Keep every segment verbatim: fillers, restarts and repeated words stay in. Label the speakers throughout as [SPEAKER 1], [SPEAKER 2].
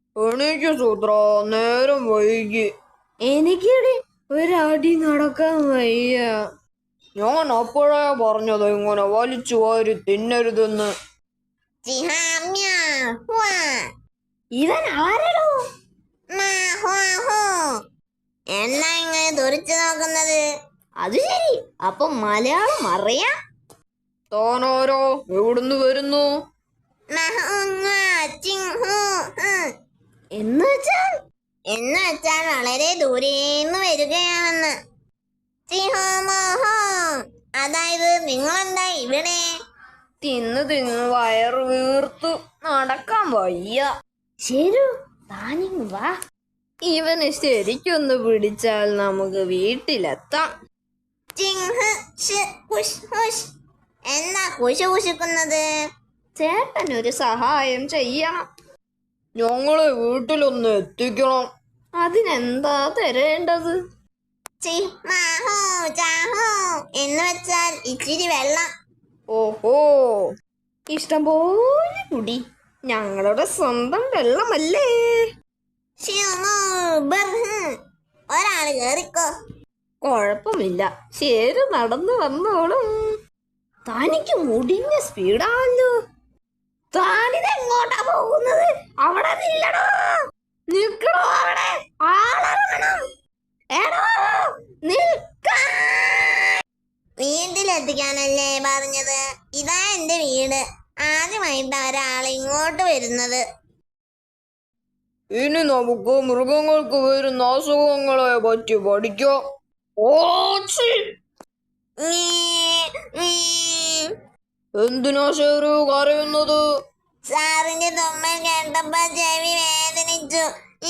[SPEAKER 1] എണീക്ക് സൂത്ര, നേരം വൈകി. എനിക്കിടെ ഒരടി നടക്കാൻ വയ്യ. ഞാൻ അപ്പോഴേ പറഞ്ഞത് ഇങ്ങനെ വലിച്ചു വാരി തിന്നരുതെന്ന്.
[SPEAKER 2] ഇവൻ ആരടോ? എന്നാ ഇങ്ങനെ തുറിച്ചു നോക്കുന്നത്? അത് ശരി, അപ്പൊ മലയാളം അറിയാം.
[SPEAKER 1] താനാരോ? എവിടുന്ന് വരുന്നു?
[SPEAKER 2] എന്ന് വെച്ചാൽ എന്ന് വെച്ചാൽ വളരെ ദൂരേന്ന് വരികയാണെന്ന്. അതായത് നിങ്ങളെന്താ ഇവിടെ?
[SPEAKER 1] തിന്ന് തിന്ന് വയറ് വീർത്തു, നടക്കാൻ വയ്യ.
[SPEAKER 2] ശരി, താനിങ് വാ.
[SPEAKER 1] ഇവന് ശരിക്കൊന്ന് പിടിച്ചാൽ നമുക്ക് വീട്ടിലെത്താം.
[SPEAKER 2] എന്താ കുശു കുശുക്കുന്നത്?
[SPEAKER 1] ചേട്ടൻ ഒരു സഹായം ചെയ്യണം. ഞങ്ങളെ വീട്ടിലൊന്ന് എത്തിക്കണം. അതിനെന്താ തരേണ്ടത്?
[SPEAKER 2] എന്ന് വെച്ചാൽ ഇച്ചിരി വെള്ളം.
[SPEAKER 1] ഓഹോ, ഇഷ്ടം പോലെ കുടി. ഞങ്ങളുടെ സ്വന്തം വെള്ളമല്ലേ.
[SPEAKER 2] ഒരാള് കേറിക്കോ.
[SPEAKER 1] കൊഴപ്പമില്ല, ശരി, നടന്നു വന്നോളും. തനിക്ക് മുടിഞ്ഞ സ്പീഡാണല്ലോ.
[SPEAKER 2] താനിതെങ്ങോട്ടാ പോകുന്നത്? അവിടെ നില്ലടോ.
[SPEAKER 1] നിൽക്കണോ അവിടെ?
[SPEAKER 2] ആളിറങ്ങണം. എടോ നിൽക്കാൻ. വീട്ടിലെത്തിക്കാനല്ലേ പറഞ്ഞത്? ഇതാ എന്റെ വീട്. ആദ്യമായിട്ടാ ഒരാൾ ഇങ്ങോട്ട് വരുന്നത്.
[SPEAKER 1] ഇനി നമുക്ക് മൃഗങ്ങൾക്ക് വരുന്ന അസുഖങ്ങളെ പറ്റി പഠിക്കാം. എന്തിനാ ഷേരു കരയുന്നത്?
[SPEAKER 2] സാറിന്റെ തുമ്മൽ കേട്ടപ്പോ ചെവി വേദനിച്ചു.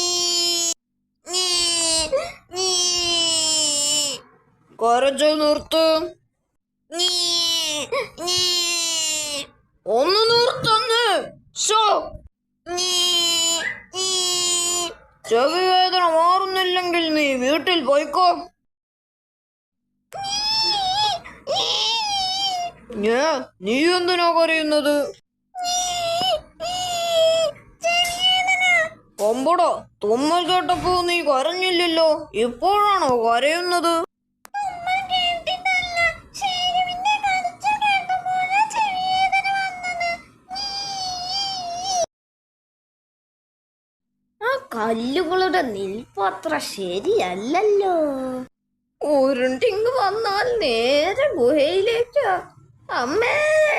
[SPEAKER 1] കരച്ചു നിർത്ത്. ഒന്ന് നിർത്തന്ന്. ചെവി വേദന മാറുന്നില്ലെങ്കിൽ നീ വീട്ടിൽ പോയിക്കോ. നീ എന്തിനാ കരയുന്നത്? കൊമ്പടോ, തുമ്മൽ കേട്ടപ്പോ നീ കരഞ്ഞില്ലല്ലോ, ഇപ്പോഴാണോ കരയുന്നത്?
[SPEAKER 2] ആ കല്ലുകളുടെ നിൽപ്പത്ര ശരിയല്ലല്ലോ.
[SPEAKER 1] ഉരുണ്ടിങ് വന്നാൽ നേരെ ഗുഹയിലേക്കാ. അമ്മേ,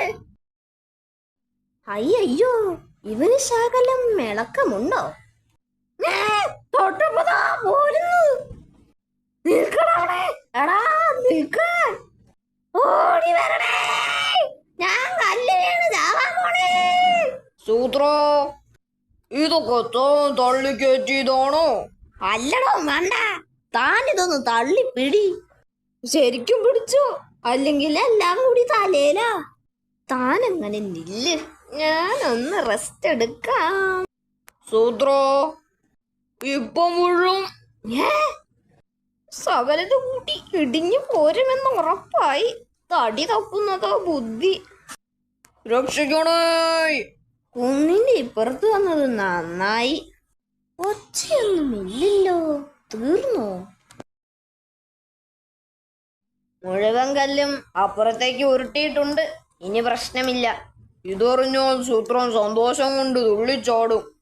[SPEAKER 2] അയ്യോ, ഇവന് ശകലം മിളക്കമുണ്ടോ?
[SPEAKER 1] തൊട്ടപ്പതാ പോരുന്നു. നിൽക്കണേ, എടാ നിൽക്കാൻ.
[SPEAKER 2] ഓടി വരണേ, ഞാൻ കല്ല് വീണ് ചാവാൻ പോണേ.
[SPEAKER 1] സൂത്ര, ഇതൊക്കെ താൻ തള്ളിക്കയറ്റിയതാണോ?
[SPEAKER 2] അല്ലടോ മണ്ട, താൻ ഇതൊന്ന് തള്ളി പിടി.
[SPEAKER 1] ശരിക്കും പിടിച്ചോ?
[SPEAKER 2] അല്ലെങ്കിൽ എല്ലാം കൂടി തലേലാ.
[SPEAKER 1] താൻ അങ്ങനെ നില്ല്, ഞാനൊന്ന് റെസ്റ്റ് എടുക്കാം. സൂത്ര, ഇപ്പം മുഴുവൻ സകലത് കൂട്ടി ഇടിഞ്ഞു പോരുമെന്ന് ഉറപ്പായി. തടി തപ്പുന്നതോ ബുദ്ധി. രക്ഷിക്കണേ.
[SPEAKER 2] കുന്നിന്റെ ഇപ്പുറത്ത് വന്നത് നന്നായി. ഒച്ചയൊന്നുമില്ലല്ലോ. തീർന്നോ?
[SPEAKER 1] മുഴുവൻ കല്ലും അപ്പുറത്തേക്ക് ഉരുട്ടിയിട്ടുണ്ട്. ഇനി പ്രശ്നമില്ല. ഇതറിഞ്ഞാൽ സൂത്രൻ സന്തോഷം കൊണ്ട് തുള്ളിച്ചാടും.